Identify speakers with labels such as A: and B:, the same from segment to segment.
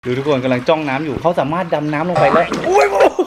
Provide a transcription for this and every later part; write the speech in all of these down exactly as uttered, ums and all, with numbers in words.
A: ดูทุกคนกำลังจ้องน้ำอยู่เขาสามารถดำน้ำลงไปแล้วอุ้ย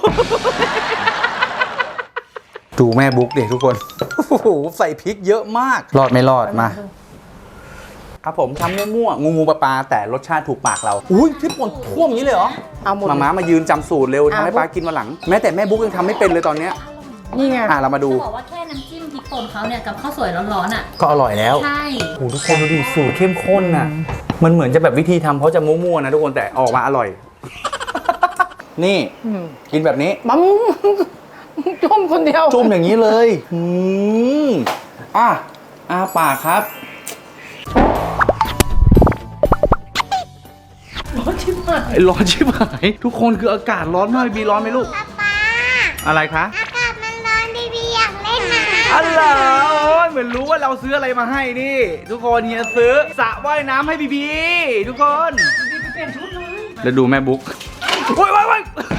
A: ดูแม่บุ๊กเด็กทุกคนโอ้โหใส่พริกเยอะมากรอดไม่รอดมาครับผมทำมั่วๆงูงูปลาปลาแต่รสชาติถูกปากเราอุ้ยพริกป่นท่วมอย่างนี้เลยเหรอเอาหมดมาม้ามายืนจำสูตรเร็วทำให้ปลากินมาหลังแม้แต่แม่บุ๊กยังทำไม่เป็นเลยตอนเนี้ย
B: นี่ไง
A: อ่ะเรามาดู
C: จะบอกว่าแค่น้ำจิ้มพริกป่นเขาเนี่ยกับข้าวสวยร้อนๆอ่ะ
A: ก็อร่อยแล้ว
C: ใช่
A: โอ้ทุกคนดูดิสูตรเข้มข้นน่ะมันเหมือนจะแบบวิธีทำเขาจะมั่วๆนะทุกคนแต่ออกมาอร่อยนี่กินแบบนี้
B: มัมจุ่มคนเดียว
A: จุ่มอย่างนี้เลยอืมอ่ะอาปากครับ
B: ร้อนชิบหาย
A: ร้อนชิบหายทุกคนคืออากาศร้อนมากบีร้อนไหมลูก
D: ป๊า
A: อะไรคะ
D: อากาศมันร้อนบีบีอยากเล่นน้ำ
A: อ๋อเหรอเหมือนรู้ว่าเราซื้ออะไรมาให้นี่ทุกคนเฮียซื้อสระว่ายน้ำให้บีบีทุกคน
B: บีไปเปลี่ยนชุดเลย
A: แล้วดูแม่บุ๊กโอ้ยโอ้ยโอ้ย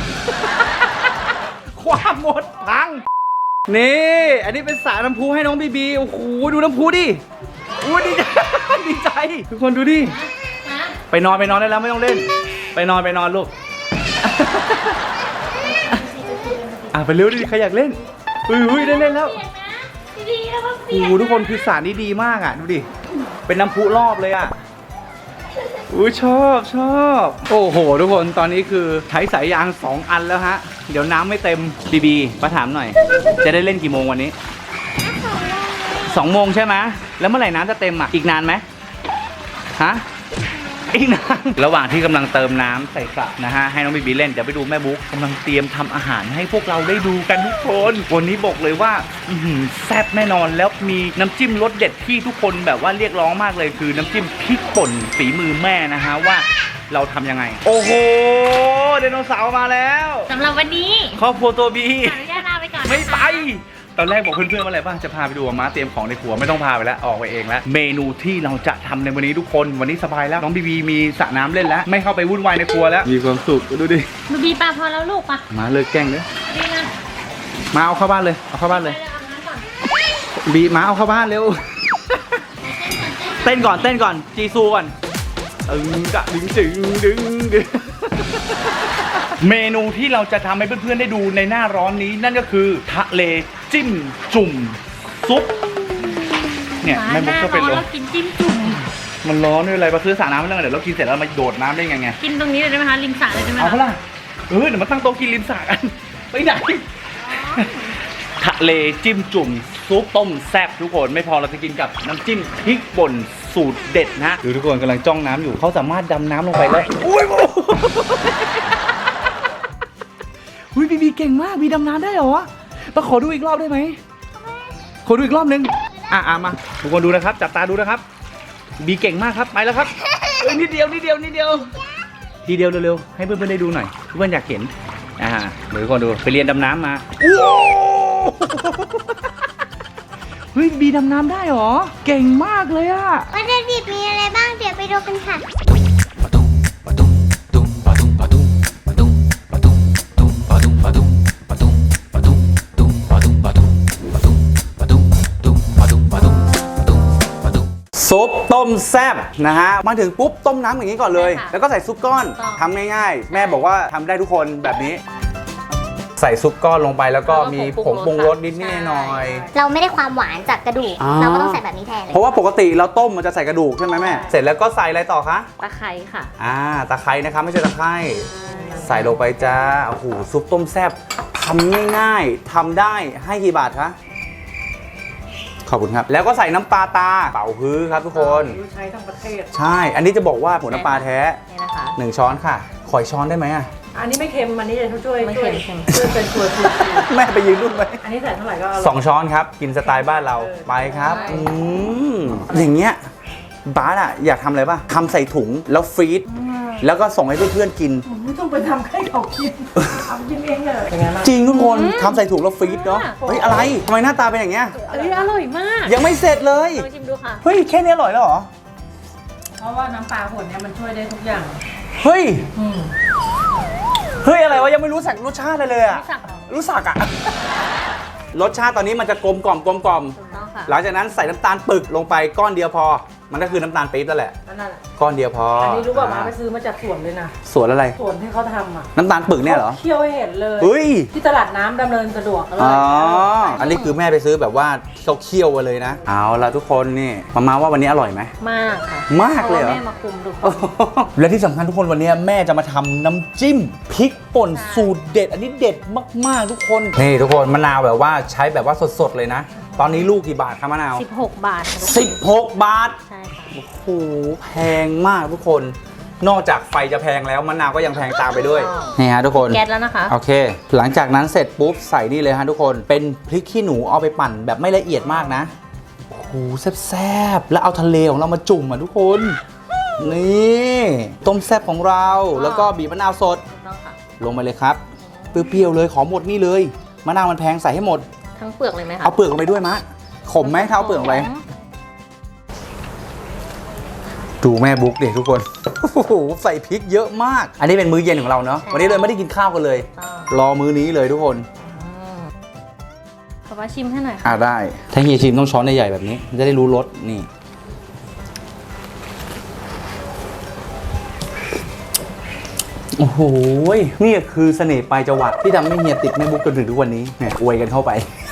A: ความหมดพังนี่อันนี้เป็นสระน้ำพุให้น้องบีบีโอ้โหดูน้ำพุดิอุ้ยดีใจดีใจทุกคนดูดิไปนอนไปนอนได้แล้วไม่ต้องเล่นไปนอนไปนอนลูกอ่ะไปเร็วดิใครอยากเล่นอุ้ยอุ้ยได้เล่นแล้วโอ้โหทุกคนคือสระนี้ดีมากอ่ะดูดิเป็นน้ำพุรอบเลยอ่ะอุ้ยชอบชอบโอ้โหทุกคนตอนนี้คือใช้สายยางสองอันแล้วฮะเดี๋ยวน้ำไม่เต็มบีบีมาถามหน่อยจะได้เล่นกี่โมงวันนี้สองโมงใช่ไหมแล้วเมื่อไหร่น้ำจะเต็มอ่ะอีกนานไหมฮะอีกนานระหว่างที่กำลังเติมน้ำใส่สระนะฮะให้น้องบีบีเล่นเดี๋ยวไปดูแม่บุ๊กกำลังเตรียมทำอาหารให้พวกเราได้ดูกันทุกคนวันนี้บอกเลยว่าแซ่บแน่นอนแล้วมีน้ำจิ้มรสเด็ดที่ทุกคนแบบว่าเรียกร้องมากเลยคือน้ำจิ้มพริกป่นฝีมือแม่นะฮะว่าเราทำยังไงโอ้โหไดโนเสาร์มาแล้ว
C: สำหรับวันนี้
A: ครอบครัวตัวบี
C: ขออนุญาตลาไปก่อน
A: ไม่ไปตอนแรกบอกเพื่อนๆว่าอะไรบ้างจะพาไปดูม้าเตรียมของในครัวไม่ต้องพาไปแล้วออกไปเองแล้วเมนูที่เราจะทำในวันนี้ทุกคนวันนี้สบายแล้วน้องบีบีมีสระน้ำเล่นแล้วไม่เข้าไปวุ่นวายในครัวแล้วมีความสุขดูดิ
C: บีบีปลาพอแล้วลูกปะ
A: มาเลยแกล้งเลย
C: ดีนะ
A: มาเอาเข้าบ้านเลยเอาเข้าบ้านเลยบีมาเอาเข้าบ้านเร็วเต้นก่อนเต้นก่อนจีซูก่อนตึงกะดึงดึงดึงดึงเมนูที่เราจะทำให้เพื่อนๆได้ดูในหน้าร้อนนี้นั่นก็คือทะเลจิ้มจุ่มซุปเนี่ยแม่บุ๊กก็เป็นร้อน
C: กินจิ้มจุ่ม
A: มันร้อนด้วยอะไรมาซื้อสระน้ำไม่ต้องเดี๋ยวเรากินเสร็จแล้วมาโดดน้ำได้ไงไง
C: กินตรงนี้เลยได้ไหมคะริมสระเลยได้ไหม
A: เอาเปล่าเออเดี๋ยวมาตั้งโต๊ะกินริมสระกันไปไหนทะเลจิ้มจุ่มซุปต้มแซ่บทุกคนไม่พอเราจะกินกับน้ำจิ้มพริกป่นสูตรเด็ดนะดูทุกคนกำลังจ้องน้ำอยู่เขาสามารถดำน้ำลงไปแล้วอุ้ยอุ้ยบีบีเก่งมากบีดำน้ำได้เหรอมาขอดูอีกรอบได้ไหมขอดูอีกรอบนึงอ่ะอ่ะมาทุกคนดูนะครับจับตาดูนะครับบีเก่งมากครับไปแล้วครับเอ้ยนิดเดียวนิดเดียวนิดเดียวทีเดียวเร็วๆให้เพื่อนๆได้ดูหน่อยเพื่อนอยากเห็นอ่าเดี๋ยวทุกคนดูไปเรียนดำน้ำมาเฮ้ยบีดำน้ำได้เหรอเก่งมากเลยอะ
D: วัตถุดิบมีอะไรบ้างเดี๋ยวไปดูกันค่ะซุปต้มแซ่บนะฮะมาถึงปุ๊บต้มน้ำอย่างนี้ก่อนเลยแล้วก็ใส่ซุปก้อนทำง่ายๆแม่บอกว่าทำได้ทุกคนแบบนี้ใส่ซุปก้อนลงไปแล้วก็มีผงปรุงรสนิดๆหน่อยเราไม่ได้ความหวานจากกระดูกเราก็ต้องใส่แบบนี้แทนเลย
A: เพราะว่าปกติเราต้มมันจะใส่กระดูกใช่ไหมแม่เสร็จแล้วก็ใส่อะไรต่อคะ
C: ตะไคร้ค่ะ
A: อ่าตะไคร้นะคะไม่ใช่ตะไคร้ใส่ลงไปจ้าโอ้โหซุปต้มแซ่บทำง่ายๆทำได้ให้กี่บาทคะขอบคุณครับแล้วก็ใส่น้ำปลาตาเป่าฮื้อครับทุกคน
B: ใช้ทั้งประเทศ
A: ใช่อันนี้จะบอกว่าหัวน้ำปลาแท้
C: นี่นะคะ
A: หนึ่งช้อนค่ะขอช้อนได้ไหมอ่ะ
B: อันนี้ไม่เค็มอันนี้จะช่วยช่วยช่วยเป็นตัวช่วย
A: แม่ไปยืนรุ่นไหม
B: อันนี้ใส่เท่าไหร่ก็
A: สองช้อนครับกินสไตล์บ้านเราไปครับอืมอย่างเงี้ยบาสอะอยากทำอะไรป่ะทำใส่ถุงแล้วฟรีซแล้วก็ส่งให้เพื่อนๆกิน
B: ไม่ต้องไปทำให้เขากินทำกินเองเลย
A: จริงทุกคนทำใส่ถุงแล้วฟรีซเนาะเฮ้ยอะไรทำไมหน้าตาเป็นอย่างเงี้ย
C: อันนี้อร่อยมาก
A: ยังไม่เสร็จเลย
C: ลองชิมดูค่ะ
A: เฮ้ยแค่นี้อร่อยแล้วเหรอ
B: เพราะว่าน้ำปลาผลเนี่ยมันช่วยได้ทุกอย่าง
A: เฮ้ยเฮ้ยอะไรวะยังไม่รู้สักรสชาติเลยอะรู้สักอะรสชาติตอนนี้มันจะกลมกล่อมกลมกล่อมหลังจากนั้นใส่น้ำตาลปึกลงไปก้อนเดียวพอ
D: มันก็คือน้ำตาลปี๊บนั่นแหละ
B: อันนั้นแหละ
D: ก้อนเดียวพอ
B: อั
D: อั
B: นนี้รู้ป่ะมาไปซื้อมาจากสวนเลยนะ
D: สวนอะไร
B: สวนที่เขาทำอ่ะ
D: น้ำตาลปึกเนี่ยเหรอ
B: เคี่ยวให้เห็นเลย
D: เฮ้ย
B: ที่ตลาดน้ำดำเนินสะดวกอร่
D: อ๋
B: อ
D: อย อันนี้คือแม่ไปซื้อแบบว่าเขาเคี่ยวมาเลยนะ เอาละทุกคนนี่มามาว่าวันนี้อร่อยไหม
C: มากค่ะ
D: มากเลยเหรอ
C: พราะว่าแม่มาคุมทุกคน
D: และที่สำคัญทุกคนวันนี้แม่จะมาทำน้ำจิ้มพริกป่นสูตรเด็ด อันนี้เด็ดมากๆทุกคนนี่ทุกคนมะนาวแบบว่าใช้แบบว่าสดๆเลยนะ ตอนนี้ลูกกี่บาทครับมะนาว
C: สิบหกบาทค่ะทุกคน
D: สิบหกบาท
C: ใช่ค่ะ
D: โอ้โหแพงมากทุกคน นอกจากไฟจะแพงแล้วมะนาวก็ยังแพงตามไปด้วยนี่ฮะทุกคน
C: แก๊สแล้วนะคะ
D: โอเค หลังจากนั้นเสร็จปุ๊บใส่นี่เลยฮะทุกคนเป็นพริกขี้หนูเอาไปปั่นแบบไม่ละเอียดมากนะโอ้โหแซ่บๆแล้วเอาทะเลของเรามาจุ่มอ่ะทุกคนนี่ต้มแซ่บของเราแล้วก็บีบมะนาวสด
C: ถูกต้องค่ะ
D: ลงไปเลยครับเปรี้ยวๆเลยขอหมดนี่เลยมะนาวมันแพงใส่ให้หมด
C: ทั้งเปลือกเลยไหมคะ
D: เอาเปลือกลงไปด้วยมะขมไหมถ้าเอาเปลือกลงไปดูแม่บุ๊กดิทุกคนโอ้โหใส่พริกเยอะมาก อันนี้เป็นมื้อเย็นของเราเนาะวันนี้เลยไม่ได้กินข้าวกันเลย รอมื้อนี้เลยทุกคน
C: ขอมาชิมให้หน่อยค่ะ
D: อ่าได้ถ้าเฮียชิมต้องช้อนใหญ่ๆแบบนี้จะได้รู้รสนี่โอ้โหนี่คือเสน่ห์ปลายจวักที่ทำให้เฮียติดแม่บุ๊กจนถึงทุกวันนี้เนี่ยอวยกันเข้าไป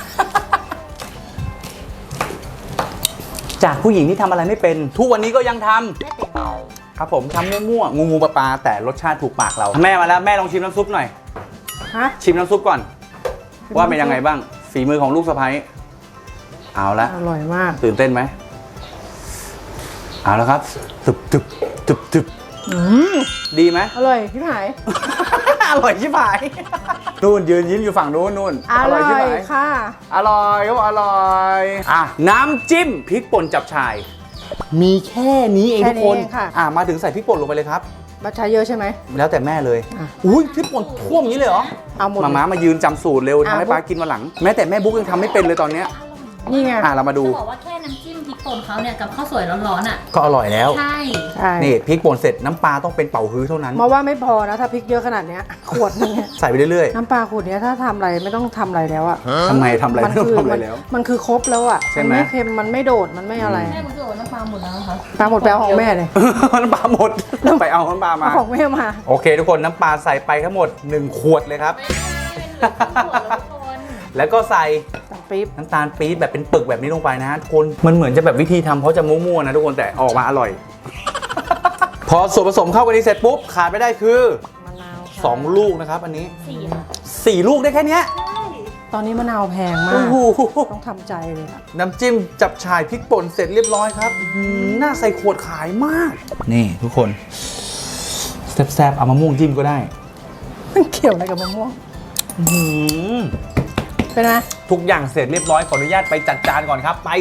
D: จากผู้หญิงที่ทำอะไรไม่เป็นทุกวันนี้ก็ยังทำครับผมทำมั่วๆงูงูปลาปลาแต่รสชาติถูกปากเราแม่มาแล้วแม่ลองชิมน้ำซุปหน่อย
B: ฮะ
D: ชิมน้ำซุปก่อน ว่าเป็นยังไงบ้างฝีมือของลูกสะใภ้เอาละ
B: อร่อยมาก
D: ตื่นเต้นไหมเอาแล้วครับตึบตึบตึบตึบ
B: อืม
D: ดีไหม
B: อร่อยพี่หาย
D: อร่อยชิบหายนู่นยืนยิ้มอยู่ฝั่งนู้นนู่น
B: อร่อย
D: ชิบหาย
B: ค่ะ
D: อร่อยก็อร่อยอ่ะน้ำจิ้มพริกป่นจับฉ่าย มีแค่นี้เอง
B: แค่
D: ทุกคน
B: นี้เองค่ะ
D: อ่ะมาถึงใส่พริกป่นลงไปเลยครับ
B: บัตรใช้เยอะใช่ไหม
D: แล้วแต่แม่เลย
B: อ่ะ
D: อุ้ยพริกป่นท่วมอย่างนี้เลยเหรอ
B: เอาหมด
D: มาม้ามายืนจำสูตรเร็ว
B: อ่ะ
D: ทำให้ป้ากินมาหลัง แม้แต่แม่บุ๊กยังทำไม่เป็นเลยตอนเนี้ย
B: นี่ไง
D: อ่ะเรามาดู
C: จะบอกว่าแค่น้ำจิ้มพริกป่นเขาเนี่ยกับข้าวสวยร้อนๆอ่ะ
D: ก็อร่อยแล้ว
C: ใช่
B: ใช่
D: นี่พริกป่นเสร็จน้ำปลาต้องเป็นเป่าฮื้อเท่านั้น
B: มาว่าไม่พอนะถ้าพริกเยอะขนาดเนี้ยขวดนึงเนี่ย
D: ใส่ไปเรื่อย
B: น้ำปลาขวดเนี้ยถ้าทำอะไรไม่ต้องทำอะไรแล้วอ่ะ
D: ๆทำไมทำอะไรไม่ต้องทำอะไรแล้ว
B: มันคือครบแล้วอ่ะ
D: ใช่
B: มัน
D: ไหม
B: ไม่เค็มมันไม่โดดมันไม่อะไร
C: แม่รู้สึกว่าน้ำปลาหมดแล้วนะคะ
B: ปลาหมดแปลของแม่เลย
D: น้ำปลาหมดไปเอาน้ำปลามา
B: เอาของแม่มา
D: โอเค ทุกคนน้ำปลาใส่ไปทั้งหมดหนึ่งขวดเลยครับ
C: ไม่เป็นเหลือครึ่งขวดแล้วทุกคน
D: แล้วก็ใส่
B: ตังปี๊บ
D: น้ำตาลปี๊บแบบเป็นปึกแบบนี้ลงไปนะฮะทุกคนมันเหมือนจะแบบวิธีทำเขาจะมั่วๆนะทุกคนแต่ออกมาอร่อย พอส่วนผสมเข้ากันนี้เสร็จปุ๊บขาดไม่ได้คือ
B: มะนาวค่ะ
D: สองลูกนะครับอันนี้
C: สี่ค่ะ
D: สี่ลูกได้แค่เนี้ย
B: ตอนนี้มะนาวแพงมา
D: โอ้
B: ก
D: โห
B: ต้องทำใจเลยอะ
D: น้ำจิ้มจับฉ่ายพริกป่นเสร็จเรียบร้อยครับอื้อหือน่าใส่ขวดขายมาก นี่ทุกคนแซ่บๆเอามะม่วงจิ้มก็ได้
B: มันเกี่ยวอะไรกับมะม่วง
D: อื้อหือ
B: เป็นไง
D: ทุกอย่างเสร็จเรียบร้อยขออนุญาตไปจัดจานก่อนครับไป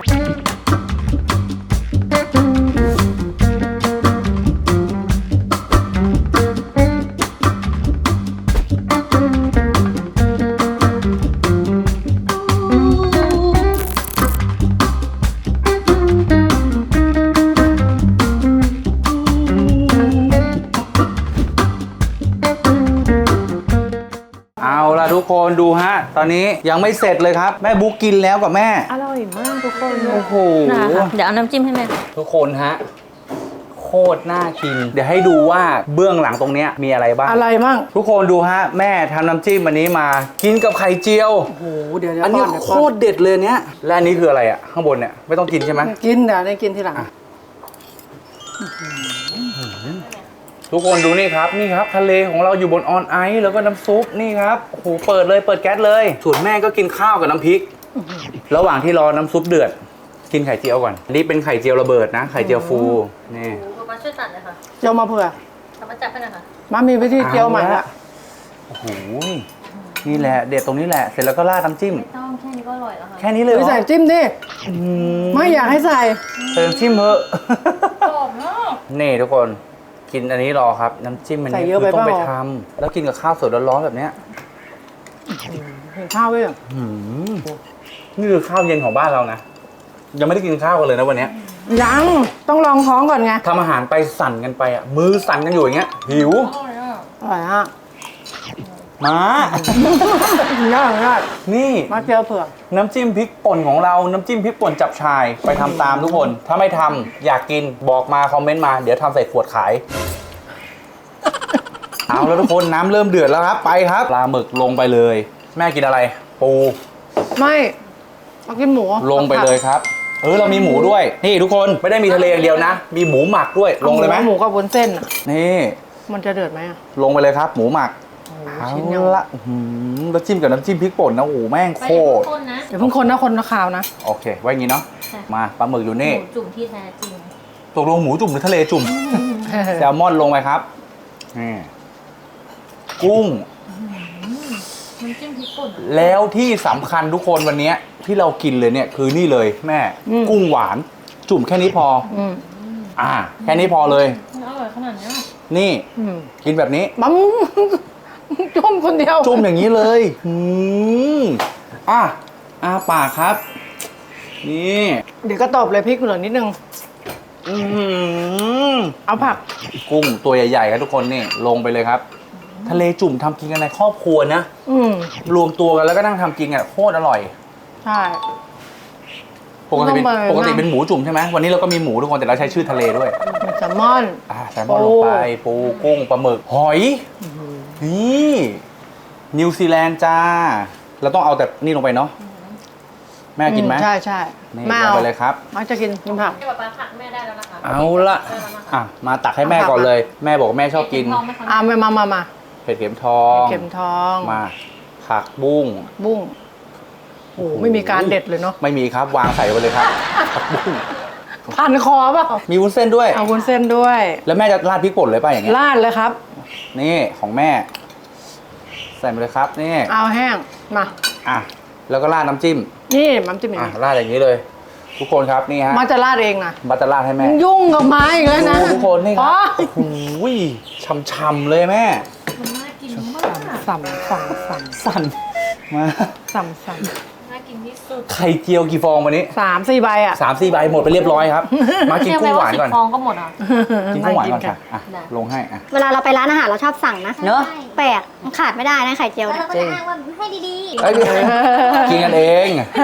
D: เอาล่ะทุกคนดูฮะ ตอนนี้ยังไม่เสร็จเลยครับ แม่บุ๊กกินแล้วกับแม่
B: อร่อยมากทุกคน
D: โอ้โห
C: นะคะเดี๋ยวเอาน้ำจิ้มให้แม่
D: ทุกคนฮะ โคตรน่ากิน เดี๋ยวให้ดูว่าเบื้องหลังตรงเนี้ยมีอะไรบ้าง
B: อะไรมั่ง
D: ทุกคนดูฮะ แม่ทำน้ำจิ้มอันนี้มากินกับไข่เจียว
B: โอ้โหเดี๋ยวเดี๋ยว
D: อันนี้
B: ป้เดี๋ยว
D: โค
B: ป้
D: ตรเด็ดเลยเนี้ยและอันนี้คืออะไรอ่ะ ข้างบนเนี่ยไม่ต้องกินใช่ไหม
B: กินเดี๋ยวได้กินทีหลัง
D: อ่ะ ทุกคนดูนี่ครับนี่ครับ ทะเลของเราอยู่บนออนไอซ์แล้วก็น้ำซุปนี่ครับโอ้โหเปิดเลยเปิดแก๊สเลยส่วนแม่ก็กินข้าวกับน้ำพริก ระหว่างที่รอน้ำซุปเดือด กินไข่เจียวก่อนอันนี้เป็นไข่เจียวระเบิดนะไข่เจียวฟูนี่
C: โอ้โหป้าช่วยตัดเลยค่ะ
B: เจียวมาเผื่อ
C: ทำมาจับให้หน่อยค่ะ
B: มามีวิธีเจียวใหม่
D: เอา
B: ละ
D: ละ โอ้โหนี่แหละเด็ดตรงนี้แหละเสร็จแล้วก็ราดน้ำจิ้ม
C: ไม่ต้องแค่นี้ก็อร่อยแล้วค่ะ
D: แค่นี้เลยเหร
B: ไม่
D: อ
B: ใส่จิ้มดิ
D: อืม
B: ไม่อยากให้ใส่
D: ใส่น้ำจิ้มเถอะ
C: กรอบเนาะ
D: นี่ทุกคนกินอันนี้รอครับ น้ำจิ้มอัน
B: ใส่
D: นี้
B: เยอะ
D: คือ
B: ไป
D: ต้องไป
B: เปล่า
D: ทำแล้วกินกับข้าวสดร้อนๆแบบเนี้ย
B: เห็นข้าวไว้เหรอ
D: หืมนี่คือข้าวเย็นของบ้านเรานะยังไม่ได้กินข้าวกันเลยนะวันเนี้ย
B: ยังต้องลองท้องก่อนไง
D: ทำอาหารไปสั่นกันไปอ่ะมือสั่นกันอยู่อย่างเงี้ยหิว
C: อร่อยอ่ะ
B: อร่อยอ่ะ
D: มา
B: ง่ายง่าย
D: นี่
B: มาเจียวเผือก
D: น้ำจิ้มพริกป่นของเรา น้ำจิ้มพริกป่นจับชาย ไปทำตามทุกคน ถ้าไม่ทำอยากกินบอกมาคอมเมนต์มา เดี๋ยวทำใส่ขวดขาย เอาแล้วทุกคนน้ำเริ่มเดือดแล้วครับ ไปครับปลาหมึกลงไปเลย แม่กินอะไร ปู
B: ไม่เอากินหมู
D: ลงไปเลยครับ เออเรามีหมูด้วย นี่ทุกคนไม่ได้มีทะเลอย่างเดียวนะ มีหมูหมักด้วย ลงเลยไหม
B: หมูกับวุ้นเส้นอ่ะ
D: นี่
B: มันจะเดือดไหมอ่ะ
D: ลงไปเลยครับ หมูหมัก
B: โอ้โห
D: เอา
B: ชิ้นยัง
D: ละอื้อหือแล้วจิ้มกับน้ำจิ้มพริกป่นนะโอ้โหแม่ง
C: ไป
D: โค
C: ทุ
D: ต
C: ก
D: ร
C: คนนะ
B: เดี๋ยวเพิ่งคนนะคนนะข่าวนะ
D: โอเค ไว้อย่างงี้เนาะ
C: ค่ะ
D: มาปลาหมึกอยู่
C: ห
D: นี่
C: มูจุ่มที่แท้จริง
D: ตกลงหมูจุ่มหรือทะเลจุ่ม แซลมอนลงไปครับนี่กุ้ง
C: มันจิ้มพริกป่นอะ
D: แล้วที่สำคัญทุกคนวันเนี้ยที่เรากินเลยเนี่ยคือนี่เลยแม่
B: อืม
D: กุ้งหวาน จุ่มแค่นี้พอ
B: อืม
D: อ่า แค่นี้พอเลย
C: มันอร่อยขนาดเนี้ย
D: นี่
B: อืม
D: กินแบบนี้
B: มัม จุ่มคนเดียว
D: จุ่มอย่างนี้เลยอืมอ่ะอาปากครับ นี่
B: เดี๋ยวก็ตบเลยพริกเหลือนิดนึง
D: อืม
B: เอาผัก
D: กุ้งตัวใหญ่ๆครับทุกคนนี่ลงไปเลยครับ ทะเลจุ่มทำกินกันในครอบครัวนะ
B: อืม
D: รวมตัวกันแล้วก็นั่งทำกินอ่ะโคตรอร่อย
B: ใช่
D: ปกติเป็น
B: ต้องไป
D: ปกติเป็นหมูจุ่มใช่ไหมวันนี้เราก็มีหมูทุกคนแต่เราใช้ชื่อทะเลด้วย
B: มันแซลมอน
D: อ่าแซลมอนลงไปปูกุ้งปลาหมึกหอยนี่นิวซีแลนด์จ้า เราต้องเอาแต่นี่ลงไปเนาะแม่กินไหม
B: อืใช่ใช่
D: นี่
B: แม่
D: ลง
B: เอา
D: ไปเลยครับ
B: มาจะกินกินผัก
C: ให้ป๊าป๊าผักแม่ได้แล้วนะคะ
D: เอาละ
C: ได้แล้วนะคะ
D: อ่ะมาตักให้แม่ก่อนเลย แม่บอกว่าแม่ชอบกิน
C: เห็ทองไหมคะ
B: อ่ามามามามา
D: เผ็ดเข็มทอง
B: เข็มทอง
D: มาผักบุ้ง
B: บุ้งโอ้โหไม่มีการเด็ดเลยเนาะ
D: ไม่มีครับวางใส่ไปเลยครับผักบุ้ง
B: พันคอเปล่า
D: มีวุ้นเส้นด้วย
B: เอาวุ้นเส้นด้วย
D: แล้วแม่จะราดพริกป่นเลยป่ะอย่างเงี้ย
B: ลาดเลยครับ
D: นี่ของแม่ ใส่ไปเลยครับนี่
B: เอาแห้งมา
D: อ่ะแล้วก็ราดน้ำจิ้ม
B: นี่มันจะมี
D: อ่ะราดอย่างนี้เลย ทุกคนครับนี่ฮะ
B: มาจะลาดเองนะ
D: บัตเตอร์ราดให้แม่
B: ยุ่งกับไม้อีกแล้วนะ
D: ดูทุกคนนี่ค
B: อ๋
D: รั
B: อบ
D: โอ้โหช่ำๆเลยแม่
C: มันน่ากินมาก
B: สั่มสั่มสั่ม
D: สั่นมา
B: สั่มสั่ม
C: น่ากินที่สุด
D: ไข่เจียวกี่ฟองวันนี้
B: สามสี่ใบอ่ะ
D: สามสี่ใบหมดไปเรียบร้อยครับ มากินกุ้งหวานก่อน
C: สิบฟองก็หมดอ่ะ
D: กินกุ้งหวานก่อนค่ะอ่ะ
C: ได้
D: ลงให้อ่ะ
E: เวลาเราไปร้านอาหารเราชอบสั่งนะ
B: เนอะ
E: แปลกมันขาดไม่ได้นะไข่เจียว
C: แล้ว
E: เนี่ย
C: เราก็จะอ้างว่าให้ดี
D: เอ้ยกินกันเอง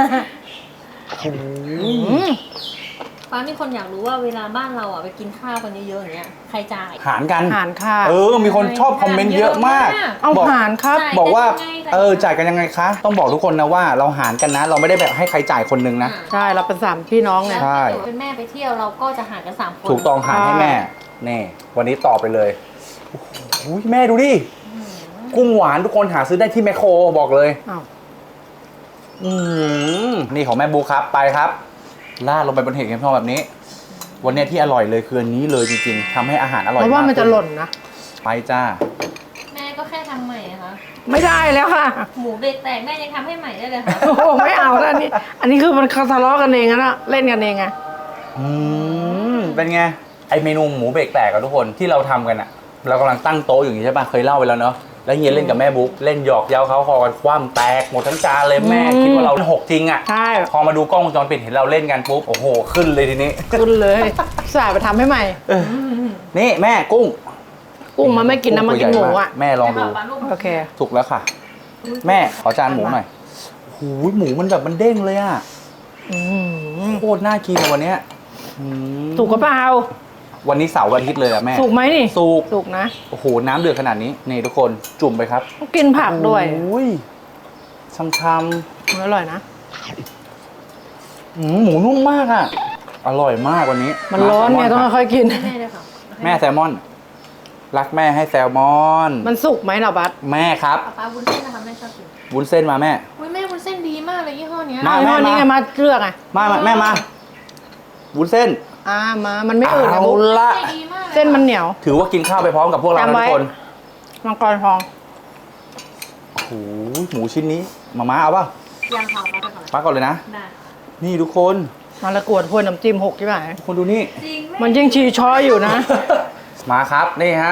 B: อืม
C: ๆป้ามีคนอยากรู้ว่าเวลาบ้านเราอ่ะไปกินข้าวกันเยอะๆอย่างเงี้ยใครจ่าย
D: หารกัน
B: อาหารค่ะ
D: เออ มีคนชอบคอมเมนต์เยอะมาก
B: เอา
D: บอก
B: หารครับ
C: จ่าย
D: บอกว่า
C: กันยังไง
D: เออ จ่ายกันยังไงคะ ต้องบอกทุกคนนะว่าเราหารกันนะ เราไม่ได้แบบให้ใครจ่ายคนหนึงนะ
B: ใช่เราเป็นสามพี่น้องไง
D: ใช่
C: แล้วถ้าเกิดเป็นแม่ไปเที่ยวเราก็จะหารกันสามคน
D: ถูกต้องหารให้แม่ นี่ วันนี้ต่อไปเลยโอ้โหแม่ดูดิ กุ้งหวานทุกคนหาซื้อได้ที่แมคโครบอกเลย
B: อ้าว
D: อืมนี่ของแม่บูครับไปครับราดลงไปบนเห็ดเข็มทองแบบนี้ วันเนี้ยที่อร่อยเลยคืออันนี้เลยจริงๆทำให้อาหารอร่อย
B: เพราะว่ามันจะ
D: ขึ้
B: หล่นนะ
D: ไปจ้า
C: แม่ก็แค่ทำใหม่นะคะ
B: ไม่ได้แล้วค่ะ
C: หมูเบรกแตกแม่ยังทำให้ใหม่ได้เลยค่ะ
B: โอ้โหไม่เอาแล้วอันนี้ อันนี้คือมันทะเลาะกันเองนะเล่นกันเองไง
D: อืมเป็นไงไอเมนูหมูเบรกแตกกับทุกคนที่เราทำกันอะเรากำลังตั้งโต๊ะอยู่อย่างนี้ใช่ปะเคยเล่าไปแล้วเนาะแล้วเฮียเล่นกับแม่บุ๊กเล่นหยอกเย้าเขาคอกันคว่ำแตกหมดทั้งจานเลยแม่
B: อืม
D: คิดว่าเราหกจริงอะ
B: ใช่
D: พอมาดูกล้องวงจรปิดเห็นเราเล่นกันปุ๊บโอ้โหขึ้นเลยทีนี้
B: ขึ้นเลยสายไปทำให้ใหม่
D: นี่แม่กุ้ง
B: กุ้งมันไม่กินนะมันกินหมูอ่ะ
D: แม่ลองดู
C: ปลาลูก
B: โอเค
D: ถูกแล้วค่ะ แม่ขอจานหมูหน่อยหูยหมูมันแบบมันเด้งเลยอะ
B: อืม
D: โคตรน่ากินอะวันเนี้ยอืม
B: สุกกระเปล่า
D: วันนี้เสาร์วันอาทิตย์เลยอะแม่
B: สุกไหมนี่
D: สุก
B: สุกนะ
D: โอ้โหน้ำเดือดขนาดนี้นี่ทุกคนจุ่มไปครับ
B: ต้องกินผักด้วย
D: โอ้ยช้ำ
B: อร่อยนะ
D: ๆอืมหมูนุ่มมากอะอร่อยมากวันนี้
B: มันร้อนไงต้อง
D: แซลม
B: ค่อยๆกิน
C: ให้แม่เลยค่ะ
D: แม่แซลมอน รักแม่ให้แซลมอน
B: มันสุกไหมล่ะบัส
D: แม่ครับ
C: ปลาปลาวุ้นเส้นนะคะแม่ชอบกิน
D: วุ้นเส้นมาแม่
C: อุ้ยแม่วุ้นเส้นดีมากเลยยี่ห้อเนี้ย
D: มา
B: เอา
D: แม่
B: ยี่ห้อนี้ไงมาเลือกไง
D: มามาแม่มาวุ้นเส้น
B: อ่ามา มันไม่อืดนะ
D: เอา
B: บุ๊ค
D: ละ
C: ใจดีมากลย
B: เส้นมันเหนียว
D: ถือว่ากินข้าวไปพร้อมกับพวกเรานะ
B: จำไว้
D: ทุกคน
B: มังกรทอง
D: โอ้โหหมูชิ้นนี้มาม่าเอาป่ะ
C: ยังค่ะปลาไปก่อนเลย
D: มาก่อนเลยนะ
C: ได้
D: นี่ทุกคน
B: มาละกวดพวยน้ำจิ้มหกใช่ไหม
D: ทุกคนดูนี่
C: จริงแม่
B: มันยิ่งชีช้อยอยู่นะ
D: มาครับนี่ฮะ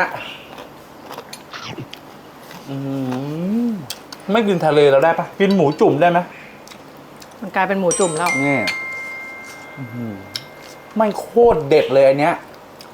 D: อืมไม่กินทะเลเราได้ปะกินหมูจุ่มได้ไหม
B: มันกลายเป็นหมูจุ่มแล้ว
D: นี่อื้อหือไม่โคตรเด็ดเลยอันเนี้ย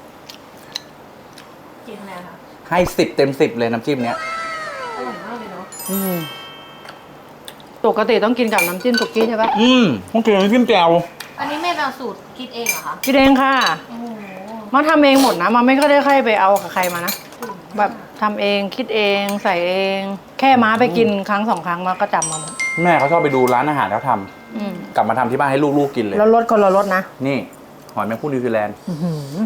C: กินอะไรคะ
D: ให้สิบเต็มสิบเลยน้ำจิ้มเนี้ย
C: อร่อยมากเลยเนาะ
B: อืมปกติต้องกินกับน้ำจิ้มสุกี้ใช่ปะ
D: อืมต้องกินน้ำจิ้มแจ่ว
C: อันนี้แม่ไปเอาสูตรคิดเองเหรอคะ
B: กินเองค่ะ
C: โอ้โห
B: มาทำเองหมดนะมาไม่ค่อยได้ใครไปเอากับใครมานะแบบทำเองคิดเองใส่เอง แค่ม้าไปกินครั้งสองครั้งมาก็จำมาหมด
D: แม่เขาชอบไปดูร้านอาหารเขาท
B: อืม
D: ำกลับมาทำที่บ้านให้ลูกๆกินเลย
B: แล้วรสคนละรสนะ
D: นี่ หอยแมงผู้นิวซีแลนด์
B: อื้อหือ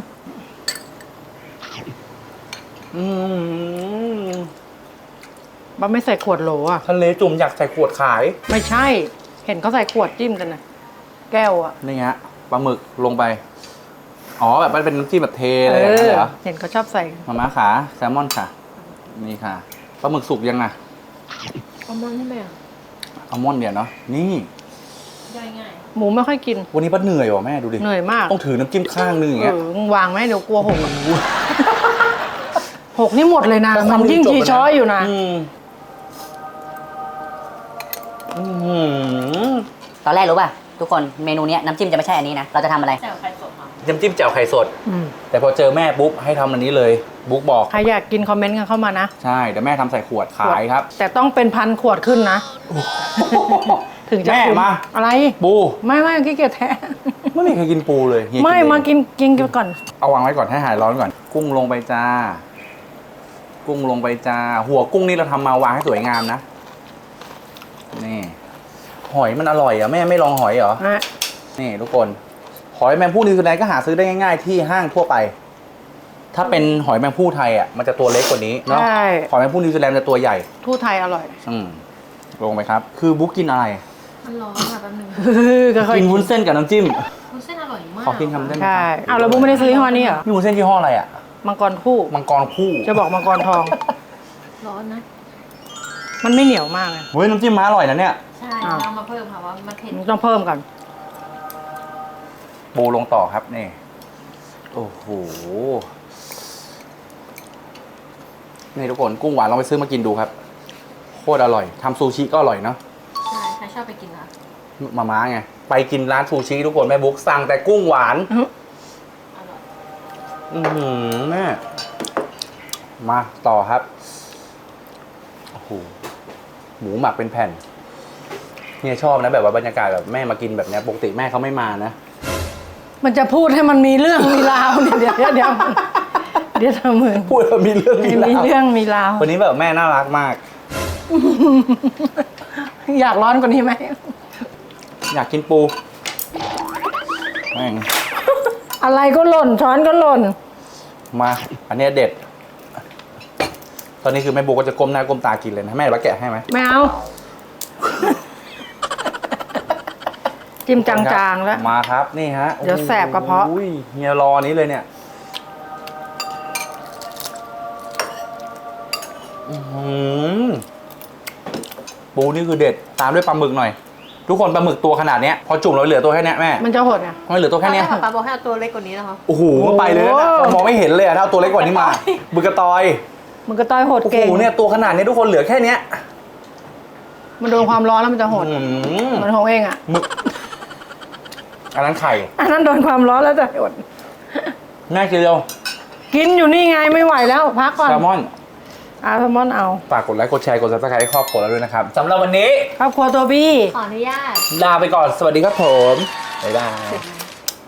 D: อืม
B: บ้าไม่ใส่ขวดโหลอ่ะ
D: ทะเลจุ่มอยากใส่ขวดขาย
B: ไม่ใช่ เห็นเขาใส่ขวดจิ้มกันนะแก้วอ่ะ
D: นี่ฮะปลาหมึกลงไป อ๋อแบบมันเป็นน้ำจิ้มแบบเทอะไรอย่างเงี้ยเหรอ
B: เห็นเขาชอบใส่
D: มาม่าขาแซลมอนค่ะ นี่ค่ะปลาหมึกสุกยังอ่ะ
C: เอามันให้แม่
D: อัลมอนด์เดี๋ยวเนาะนี่
C: ย่อยง่าย
B: หมูไม่ค่อยกิน
D: วันนี้ป้าเหนื่อยว่ะแม่ดูดิ
B: เหนื่อยมาก
D: ต้องถือน้ำจิ้มข้างนึงอย่าง
B: เอ
D: เงี้ย
B: อมึงวางไหมเดี๋ยวกลัวหกอะหกนี่หมดเลยนะ
D: แต่
B: มันยิ่ง
D: จบ
B: ที
D: แล้วนะ
B: ช้อยอยู่นะ
D: อืมอื้อหือ
F: ตอนแรกรู้ป่ะ ทุกคนเมนูเนี้ยน้ำจิ้มจะไม่ใช่อันนี้นะ เราจะทำอะไร
C: แจ่วไข่สดมา
D: น้ำจิ้มแจ่วไข่สด
B: อืม
D: แต่พอเจอแม่ปุ๊บให้ทำอันนี้เลย บุ๊กบอก
B: ใครอยากกินคอมเมนต์กันเข้ามานะ
D: ใช่เดี๋ยวแม่ทำใส่ขวดขายครับ
B: แต่ต้องเป็นพันขวดขึ้นนะ ถึงจะ
D: แม่
B: คุ้
D: มา
B: อะไร
D: ปู
B: ไม่ไม่ขี้เกียจแท้
D: ไม่มีใครกินปูเลยเฮีย
B: ไม่
D: เอง
B: มากินกินกันก่อน
D: เอาวางไว้ก่อนให้หายร้อนก่อน กุ้งลงไปจ้า กุ้งลงไปจ้า หัวกุ้งนี่เราทำมาวางให้สวยงามนะ นี่ หอยมันอร่อยอ่ะแม่ไม่ลองหอยเหรอ
B: นะ
D: นี่ทุกคน หอยแมงผู้นิวซีแลนด์ก็หาซื้อได้ง่ายๆที่ห้างทั่วไป ถ้าเป็นหอยแมงผู้ไทยอ่ะมันจะตัวเล็กกว่านี้เนาะ
B: ใช่
D: หอยแมงผู้นิวซีแลนด์จะตัวใหญ่
B: ทู่ไทยอร่อย
D: อืมลงไปครับ คือบุ๊กกินอะไร
C: มันร้อนค่ะแป๊บนึง
B: ก็ค่อย
D: กินวุ้นเส้นกับน้ำจิ้ม
C: คุณเส้นอร่อยมาก
D: ขอกินคำได้ไหม
B: ใช่เอาแล้วบุ๊กไม่ได้ซื้อยี่ห้อนี้เหรอ
D: นี่วุ้นเส้นยี่ห้ออะไรอ่ะ
B: มังกรคู่
D: มังกรคู่
B: จะบอกมังกรทอง
C: ร้อนนะ
B: มันไม่เหนียวมากเลย
D: เฮ้ยน้ำจิ้มม้าอร่อยนะเนี่ย
C: ใช่
B: อ้าว
C: เรามาเพิ่มค่ะว่ามันเผ็ด
B: มันต้องเพิ่มก่อน
D: ปูลงต่อครับนี่ โอ้โห นี่ทุกคนกุ้งหวานลองไปซื้อมากินดูครับ โคตรอร่อยทำซูชิก็อร่อยเนาะ
C: ใช่ใครชอบไปกินนะ
D: มาม้าไง ไปกินร้านซูชิทุกคนแม่บุ๊กสั่งแต่กุ้งหวาน
C: อร่อย
D: อือหือแม่ มาต่อครับ โอ้โห หมูหมักเป็นแผ่นเนี่ยชอบนะแบบว่าบรรยากาศแบบแม่มากินแบบเนี้ยปกติแม่เขาไม่มานะ
B: มันจะพูดให้มันมีเรื่องมีราวเนี่ยเดี๋ยวเดี๋ยวเดี๋ยวเดี๋ยวเธอมึง
D: พูดแล้วมีเรื่องมี
B: มี
D: ราว
B: เรื่องมีราว
D: วันนี้แบบแม่น่ารักมาก
B: อยากร้อนกว่านี้ไหม
D: อยากกินปูแม่ง
B: อะไรก็หล่นช้อนก็หล่น
D: มา อันเนี้ยเด็ด ตอนนี้คือแม่บุ๊กก็จะก้มหน้าก้มตากินเลยนะแม่ว่าแกะให้ไหม
B: ไม่เอา จิ้มจางๆแล้ว
D: มาครับนี่ฮะ
B: เดี๋ยวแสบกระเพาะ
D: อุ้ยเฮียรอนี้เลยเนี่ยอื้อหือปูนี่คือเด็ดตามด้วยปลาหมึกหน่อย ทุกคนปลาหมึกตัวขนาดเนี้ยพอจุ่มเราเหลือตัวแค่เนี้ยแม่
B: มันจะหดอ่ะ
D: มันเหลือตัวแค่เนี้ย
C: ตอนรกป๊าบอกให้เอาตัวเล็กกว่านี้นะคะ
D: โอ้โหมันไปเลยนะ
B: โอ้โห
D: มองไม่เห็นเลยอะถ้าเอาตัวเล็กกว่านี้มาบึกกระตอย
B: มันก็ต้อยหด
D: โอ้โห
B: เก่ง
D: เนี่ยตัวขนาดนี้ทุกคนเหลือแค่เนี้ย
B: มันโดนความร้อนแล้วมันจะหด
D: อื้อหือ
B: เหมันของเองอ่ะ
D: หมึกอันนั้นไข่
B: อันนั้นโดนความร้อนแล้วจะหด
D: แม่กินเร็ว
B: กินอยู่นี่ไงไม่ไหวแล้ว พักก่อน
D: แซลมอน
B: อาแซลมอนเอา
D: ฝากกดไลค์ กดแชร์ กด ซับสไครต์ให้ครอบครัวเราด้วยนะครับ สำหรับวันนี้
B: ครอบครัวตัวบี้
C: ขออนุญาต
D: ลาไปก่อน สวัสดีครับผม บ๊ายบาย
C: เสร็จแล้ว